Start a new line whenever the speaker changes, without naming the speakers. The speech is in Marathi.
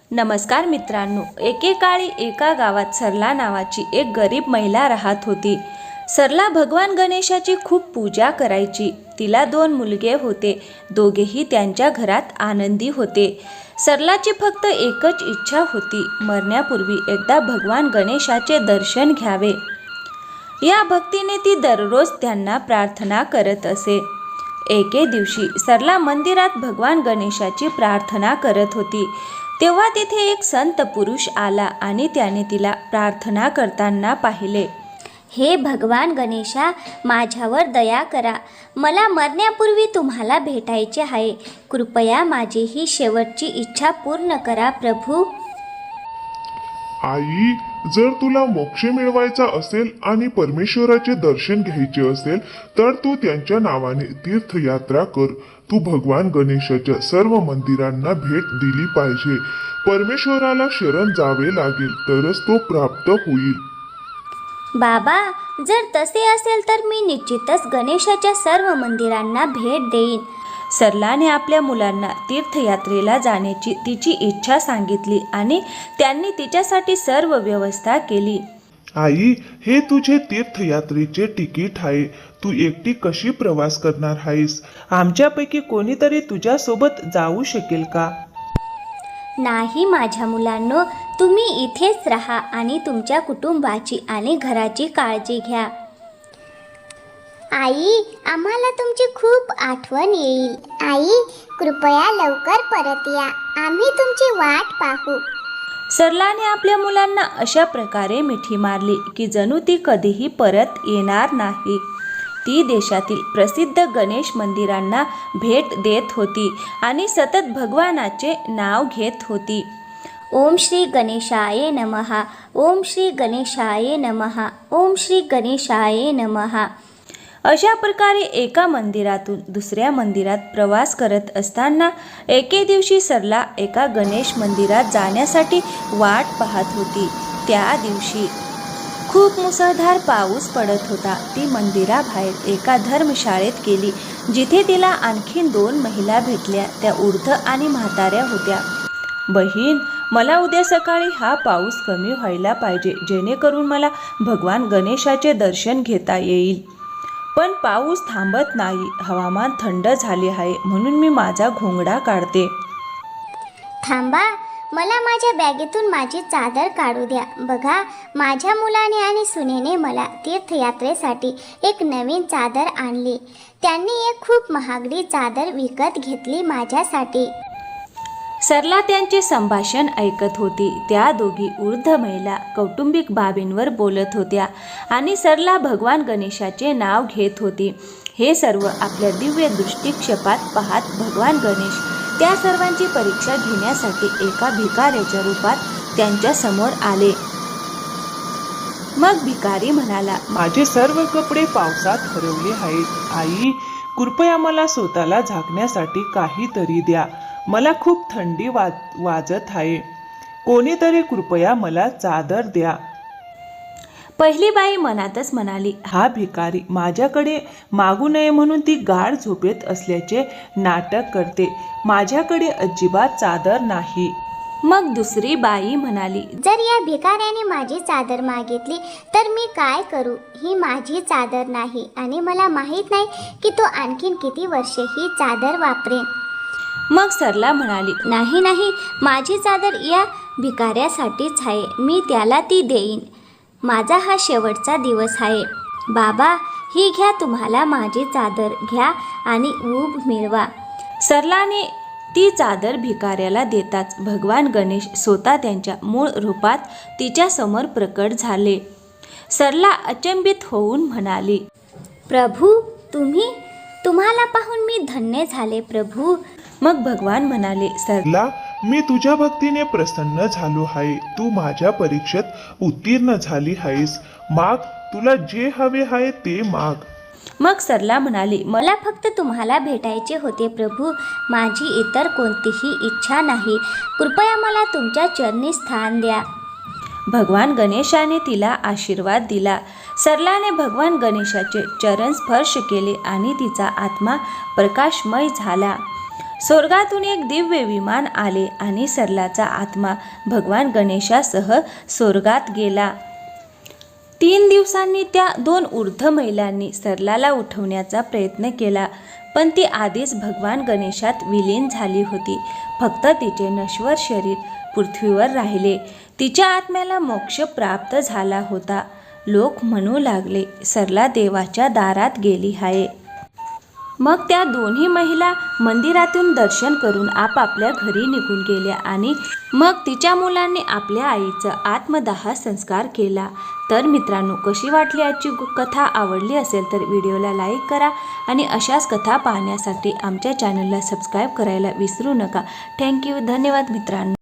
नमस्कार मित्रांनो, एकेकाळी एका गावात सरला नावाची एक गरीब महिला राहत होती. सरला भगवान गणेशाची खूप पूजा करायची. तिला 2 मुलगे होते. दोघेही त्यांच्या घरात आनंदी होते. सरलाची फक्त एकच इच्छा होती, मरण्यापूर्वी एकदा भगवान गणेशाचे दर्शन घ्यावे. या भक्तीने ती दररोज त्यांना प्रार्थना करत असे. एके दिवशी सरला मंदिरात भगवान गणेशाची प्रार्थना करत होती. तेव्हा तिथे एक संत पुरुष आला आणि त्याने तिला प्रार्थना करताना पाहिले.
हे भगवान गणेशा, माझ्यावर दया करा. मला मरण्यापूर्वी तुम्हाला भेटायचे आहे. कृपया माझी ही शेवटची इच्छा पूर्ण करा प्रभू.
आई, जर तुला मोक्ष मिळवायचा असेल आणि परमेश्वराचे दर्शन घ्यायचे असेल तर तू त्यांच्या नावाने तीर्थयात्रा कर. तू भगवान गणेशाच्या सर्व मंदिरांना भेट दिली पाहिजे. परमेश्वराला शरण जावे लागेल तरच तो प्राप्त होईल.
बाबा, जर तसे असेल तर मी निश्चितच गणेशाच्या सर्व मंदिरांना भेट देईन.
सरलाने आपल्या मुलांना तीर्थयात्रेला जाण्याची तिची इच्छा सांगितली आणि त्यांनी तिच्यासाठी सर्व व्यवस्था केली.
आई, हे तुझे तीर्थयात्रेचे तिकीट आहे. तू एकटी कशी प्रवास करणार आहेस?
आमच्यापैकी कोणीतरी तुझ्यासोबत जाऊ शकेल का?
नाही माझ्या मुलांनो, तुम्ही इथेच राहा आणि तुमच्या कुटुंबाची आणि घराची काळजी घ्या.
आई, आम्हाला तुमची खूप आठवण येईल. आई, कृपया लवकर परत या. आम्ही तुमची वाट पाहू.
सरलाने आपल्या मुलांना अशा प्रकारे मिठी मारली की जणू ती कधीही परत येणार नाही. ती देशातील प्रसिद्ध गणेश मंदिरांना भेट देत होती आणि सतत भगवानाचे नाव घेत होती.
ओम श्री गणेशाय नमः. ओम श्री गणेशाय नमः. ओम श्री गणेशाय नमः.
अशा प्रकारे एका मंदिरातून दुसऱ्या मंदिरात प्रवास करत असताना एके दिवशी सरला एका गणेश मंदिरात जाण्यासाठी वाट पाहत होती. त्या दिवशी खूप मुसळधार पाऊस पडत होता. ती मंदिराबाहेर एका धर्मशाळेत गेली, जिथे तिला आणखीन 2 महिला भेटल्या. त्या वृद्ध आणि म्हाताऱ्या होत्या. बहीण, मला उद्या सकाळी हा पाऊस कमी व्हायला पाहिजे, जेणेकरून मला भगवान गणेशाचे दर्शन घेता येईल. पण पाऊस थांबत नाही. हवामान थंड झाले आहे, म्हणून मी माझा घोंगडा काढते.
थांबा, मला माझ्या बॅगेतून माझी चादर काढू द्या. बघा, माझ्या मुलाने आणि सुनेने मला तीर्थयात्रेसाठी एक नवीन चादर आणली. त्यांनी एक खूप महागडी चादर विकत घेतली माझ्यासाठी.
सरला त्यांचे संभाषण ऐकत होती. त्या दोघी वृद्ध महिला कौटुंबिक बाबींवर बोलत होत्या आणि सरला भगवान गणेशाचे नाव घेत होती. हे सर्व आपल्या दिव्य दृष्टिक्षेपात पाहत भगवान गणेश त्या सर्वांची परीक्षा घेण्यासाठी एका भिकाऱ्याच्या रूपात त्यांच्या समोर आले. मग भिकारी म्हणाला,
माझे सर्व कपडे पावसात हरवले आहेत. आई, कृपया मला स्वतःला झाकण्यासाठी काहीतरी द्या. मला खूप थंडी वाजत आहे. कोणीतरी कृपया मला चादर द्या.
पहिली बाई मनातच म्हणाली, हा भिकारी माझ्याकडे मागू नये म्हणून ती गाढ झोपेत असल्याचे नाटक करते. माझ्याकडे अजिबात चादर नाही. मग दुसरी बाई म्हणाली,
जर या भिकाऱ्याने माझी चादर मागितली तर मी काय करू? ही माझी चादर नाही आणि मला माहीत नाही की तो आणखीन किती वर्षे ही चादर वापरेन.
मग सरला म्हणाली,
नाही नाही, माझी चादर या भिकाऱ्यासाठीच आहे. मी त्याला ती देईन. माझा हा शेवटचा दिवस आहे. बाबा, ही घ्या, तुम्हाला माझी चादर घ्या आणि ऊब मिळवा.
सरलाने ती चादर भिकाऱ्याला देताच भगवान गणेश स्वतः त्यांच्या मूळ रूपात तिच्यासमोर प्रकट झाले. सरला अचंबित होऊन म्हणाली,
प्रभू, तुम्हाला पाहून मी धन्य झाले प्रभू.
मग भगवान म्हणाले,
सरला, मी तुझ्या भक्तीने प्रसन्न झालो आहे. तू माझ्या परीक्षेत उत्तीर्ण झाली आहेस. माग, तुला जे हवे आहे ते माग.
मग सरला म्हणाली,
मला फक्त तुम्हाला भेटायचे होते प्रभू. माझी इतर कोणतीही इच्छा नाही. कृपया मला तुमच्या चरणी स्थान द्या.
भगवान गणेशाने तिला आशीर्वाद दिला. सरलाने भगवान गणेशाचे चरण स्पर्श केले आणि तिचा आत्मा प्रकाशमय झाला. स्वर्गातून एक दिव्य विमान आले आणि सरलाचा आत्मा भगवान गणेशासह स्वर्गात गेला. 3 दिवसांनी त्या 2 वृद्ध महिलांनी सरलाला उठवण्याचा प्रयत्न केला, पण ती आधीच भगवान गणेशात विलीन झाली होती. फक्त तिचे नश्वर शरीर पृथ्वीवर राहिले. तिच्या आत्म्याला मोक्ष प्राप्त झाला होता. लोक म्हणू लागले, सरला देवाच्या दारात गेली आहे. मग त्या दोन्ही महिला मंदिरातून दर्शन करून आपापल्या घरी निघून गेल्या आणि मग तिच्या मुलांनी आपल्या आईचा आत्मदाह संस्कार केला. तर मित्रांनो, कशी वाटली आजची कथा? आवडली असेल तर व्हिडिओला लाईक करा आणि अशाच कथा पाहण्यासाठी आमच्या चॅनलला सबस्क्राईब करायला विसरू नका. थँक्यू. धन्यवाद मित्रांनो.